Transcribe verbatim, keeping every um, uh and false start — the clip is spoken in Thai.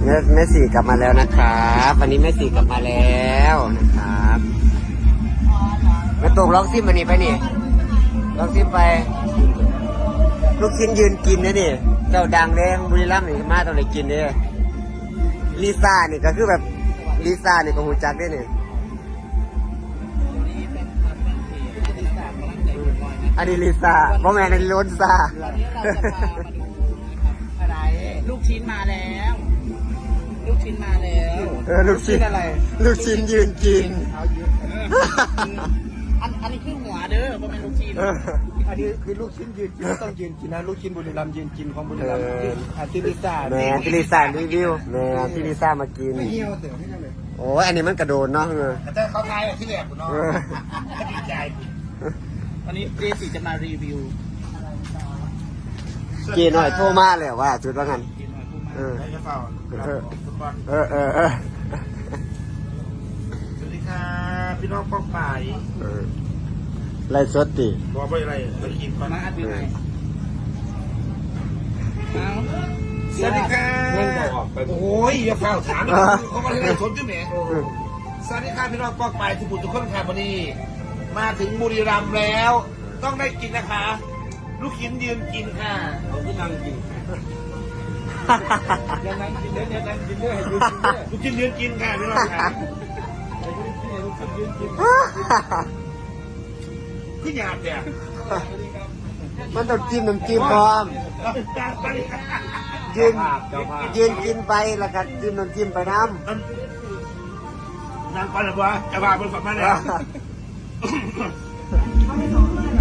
แม่แม่สี่กลับมาแล้วนะครับวันนี้แม่สี่กลับมาแล้วนะครับแม่ตกลองซิมวันนี้ไปนี่ลองซิมไปลูกชิ้นยืนกินนะนี่เจ้าดังเลยบุรีรัมย์นี่มาตอนไหนกินเนี่ยลิซ่านี่ก็คือแบบลิซ่านี่ก็หูจักได้นี่อันนี้ลิซ่าเพราะแม่ในโลนซ่าอะไรลูกชิ้นมาแล้วลูกชิ้นมาแล้วเออลูกชิ้นอะไรลูกชิ้นยืนกินอันอันนี้คือหัวเด้อเพราะเป็นลูกชิ้นอันนี้คือลูกชิ้นยืนกินต้องยืนกินนะลูกชิ้นบุรีรัมย์ยืนกินของบุรีรัมย์อาทิลิซ่าแม่ทิลิซ่ารีวิวแม่ทิลิซ่ามากินไม่เหี่ยวเสือไม่ใช่เลยโอ้ยอันนี้มันกระโดดเนาะเออแต่เขาทายที่แหลกคุณน้องดีใจวันนี้เจสี่จะมารีวิวเกียร์หน่อยโทรมาเลยว่าจุดว่างั้นเออเออเออเออเออสวัสดีค่ะพี่น้องป้องป่ายไล่สดดิบอกไปอะไรไปกินก่อนมาอัดยังไงสวัสดีค่ะโอ้ยอย่าเฝ้าถามเขามาให้ชมด้วยแหมสวัสดีค่ะพี่น้องป้องป่ายทุกผู้ทุกคนค่ะวันนี้มาถึงบุรีรัมย์แล้วต้องได้กินนะคะลูกชิ้นยืนกินค่ะเขาก็นั่งกินยังนั่งกินเด้อยังนั่งกินเด้อยืนกินเด้อลูกชิ้นยืนกินค่ะพี่น้องค่ะลูกชิ้นยืนกินขึ้นหยาบเนี่ยมันต้องจิ้มน้ำจิ้มพร้อมยืนยืนกินไปแล้วก็จิ้มน้ำจิ้มไปน้ำนั่งไปหรือวะจะพาไปฝันมาเนี่ย